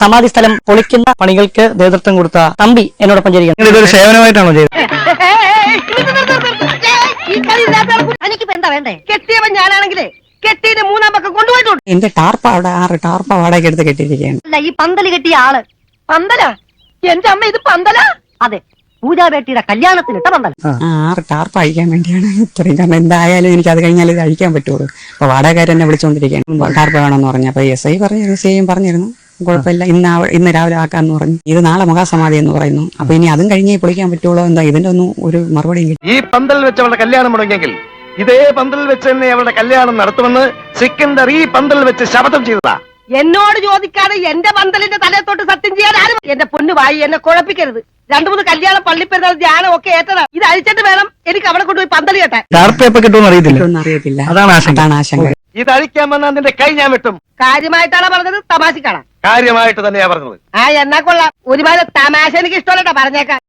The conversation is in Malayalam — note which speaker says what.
Speaker 1: സമാധി സ്ഥലം പൊളിക്കുന്ന പണികൾക്ക് നേതൃത്വം കൊടുത്ത തമ്പി എന്നോടൊപ്പം ചേരുകയാണ്. ഇതൊരു സേവനമായിട്ടാണോ ചെയ്തത്?
Speaker 2: എനിക്കിപ്പോ എന്താ വേണ്ടേ? കെട്ടിയവൻ ഞാനാണെങ്കിലേ കെട്ടിയിട്ട് മൂന്നാം പക്കം കൊണ്ടുപോയിട്ടുണ്ട്.
Speaker 3: എന്റെ ടാർപ്പ അവിടെ 6 ടാർപ്പ വാടക എടുത്ത് കെട്ടിയിരിക്കുകയാണ്.
Speaker 2: അല്ല, ഈ പന്തല് കെട്ടിയ ആള് പന്തല? എന്റെ അമ്മ ഇത് പന്തല? അതെ, പൂജാബേട്ടിയുടെ കല്യാണത്തിനിട്ട പന്തല.
Speaker 3: 6 ടാർപ്പ അഴിക്കാൻ വേണ്ടിയാണ് ഇത്രയും. കാരണം എന്തായാലും എനിക്ക് അത് കഴിഞ്ഞാൽ ഇത് അഴിക്കാൻ പറ്റുള്ളൂ. അപ്പൊ വാടകക്കാരൻ എന്നെ വിളിച്ചുകൊണ്ടിരിക്കുകയാണ്, ടാർപ്പ വേണമെന്ന് പറഞ്ഞു. അപ്പൊ SI പറഞ്ഞിരുന്നു, CM പറഞ്ഞിരുന്നു, കുഴപ്പമില്ല, ഇന്ന് രാവിലെ ആക്കാന്ന് പറഞ്ഞു. ഇത് നാളെ മഹാസമാധി എന്ന് പറയുന്നു. അപ്പൊ ഇനി അതും കഴിഞ്ഞേ പൊളിക്കാൻ പറ്റുള്ളൂ. എന്താ ഇതിന്റെ ഒന്നും ഒരു മറുപടിയും കിട്ടി.
Speaker 4: ഈ പന്തൽ വെച്ച് അവളുടെ കല്യാണം മുടങ്ങിയെങ്കിൽ ഇതേ പന്തൽ വെച്ച് തന്നെ അവളുടെ കല്യാണം നടത്തുമെന്ന് സിക്കന്ദർ ഈ പന്തൽ വെച്ച് ശപഥം ചെയ്തതാ.
Speaker 2: എന്നോട് ചോദിക്കാതെ എന്റെ പന്തലിന്റെ തലത്തോട്ട് സത്യം ചെയ്യാൻ ആരും. എന്റെ പൊന്നു വായി, എന്നെ കുഴപ്പിക്കരുത്. 2-3 കല്യാണം, പള്ളിപ്പെരുന്നാൾ, ധ്യാനം ഒക്കെ ഏറ്റതാ. ഇത് അഴിച്ചിട്ട് വേണം എനിക്ക് അവിടെ കൊണ്ടുപോയി പന്തൽ കെട്ടാൻ.
Speaker 1: ടാർപ്പ് എപ്പോ കിട്ടുമെന്ന്
Speaker 3: അറിയത്തില്ല.
Speaker 1: അതാണ്
Speaker 3: ആശങ്ക.
Speaker 4: ഇത് അഴിക്കാൻ വന്നാൽ നിന്റെ കൈ ഞാൻ വെട്ടും.
Speaker 2: കാര്യമായിട്ടാണ് പറഞ്ഞത്, തമാശക്കാണ്?
Speaker 4: കാര്യമായിട്ട് തന്നെയാ പറഞ്ഞത്.
Speaker 2: എന്നാ കൊള്ളാം. ഒരുപാട് തമാശ എനിക്ക് ഇഷ്ടമല്ലട്ടാ, പറഞ്ഞേക്കാം.